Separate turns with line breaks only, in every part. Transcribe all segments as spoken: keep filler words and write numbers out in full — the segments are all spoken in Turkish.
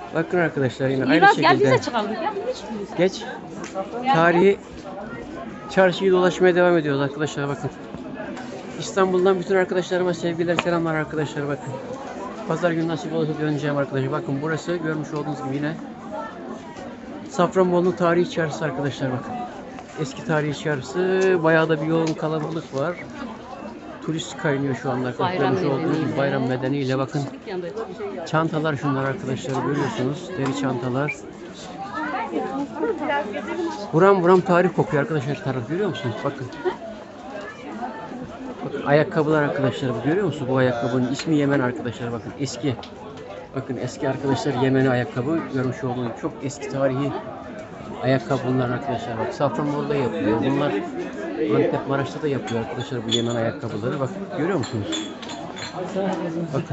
Bakın arkadaşlar yine aynı
İlyas gel
şekilde.
bize çıkalım. Gel hiç
Geç. Tarihi çarşıyı dolaşmaya devam ediyoruz arkadaşlar bakın. İstanbul'dan bütün arkadaşlarıma sevgiler, selamlar arkadaşlar bakın. Pazar günü nasip olursa döneceğim arkadaşlar. Bakın burası görmüş olduğunuz gibi yine Safranbolu'nun tarihi çarşısı arkadaşlar bakın. Eski tarihi çarşısı. Bayağı da bir yoğun kalabalık var. Turist kaynıyor şu anda.
Bayram
Görmüş olduğunuz gibi
nedeniyle.
bayram nedeniyle bakın. Çantalar şunlar arkadaşlar görüyorsunuz. Deri çantalar. Buram buram tarih kokuyor arkadaşlar taraf görüyor musunuz? Bakın. Bakın ayakkabılar arkadaşlar bu görüyor musunuz? Bu ayakkabının ismi Yemen arkadaşlar bakın eski. Bakın eski arkadaşlar Yemeni ayakkabı görmüş olduğunuz çok eski tarihi ayakkabı bunlar arkadaşlar. Bak Safranbolu'da yapılıyor. Bunlar Antep Maraş'ta da yapıyor arkadaşlar bu Yemen ayakkabıları. Bak görüyor musunuz? Bakın.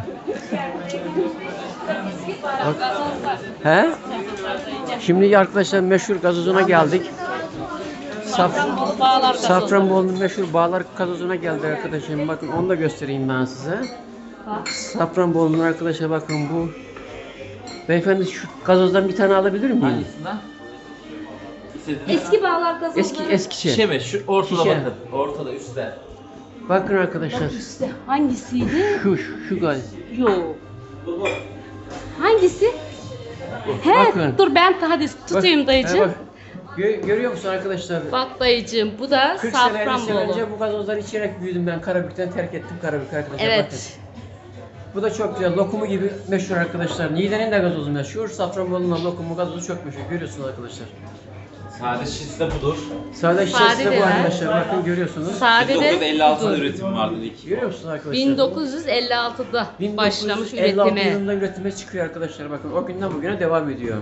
Bak. He? Şimdi arkadaşlar meşhur gazozuna geldik. Saf Safranbolu'nun meşhur Bağlar gazozuna geldik arkadaşlar. Bakın onu da göstereyim ben size. Safranbolu'nun arkadaşlar bakın bu. Beyefendi şu gazozdan bir tane alabilir miyim?
Hangisinden?
Eski bağlar gazozları.
Eski eski şey.
Şişe mi? Şu ortada
Şişe.
bakın. Ortada üstte.
Bakın arkadaşlar.
İşte hangisiydi?
Şu şu, şu gaz.
Yok. Hangisi? He,
Bakın.
dur ben hadi tutayım
Bak,
dayıcığım.
he
Bak,
bak. Gö- görüyor musun arkadaşlar?
dayıcığım bu da
kırk sene elli sene
Safranbolu.
önce bu gazozları içerek büyüdüm ben. Karabük'ten terk ettim Karabük'ü arkadaşlar.
Evet.
Bakın. Bu da çok güzel. Lokumu gibi meşhur arkadaşlar. Niğde'nin de gazozu meşhur. Safranbolu'nun lokumu gazozu çok meşhur. Görüyorsunuz arkadaşlar.
Sade şişesi de budur.
Sade
Sade
şişesi de
de
bu
var.
arkadaşlar. Bakın görüyorsunuz.
Sade
bin dokuz yüz elli altıda
budur.
üretim vardı ilk.
Görüyor musunuz arkadaşlar?
bin dokuz yüz elli altıda başlamış
bin dokuz yüz elli altı
üretime.
yılında üretime çıkıyor arkadaşlar. Bakın o günden bugüne devam ediyor.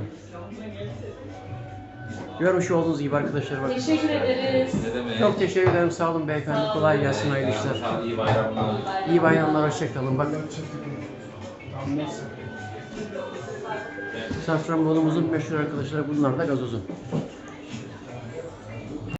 Görmüş olduğunuz gibi arkadaşlar bakın.
Teşekkür ederiz.
Ne demek?
Çok teşekkür ederim. Sağ olun beyefendi. Kolay gelsin. Hayırlı işler.
Sağ ol, iyi bayramlar.
İyi bayramlar. Hoşçakalın. Bakın. Safranbolumuzun meşhur arkadaşlar bunlar da gazozu.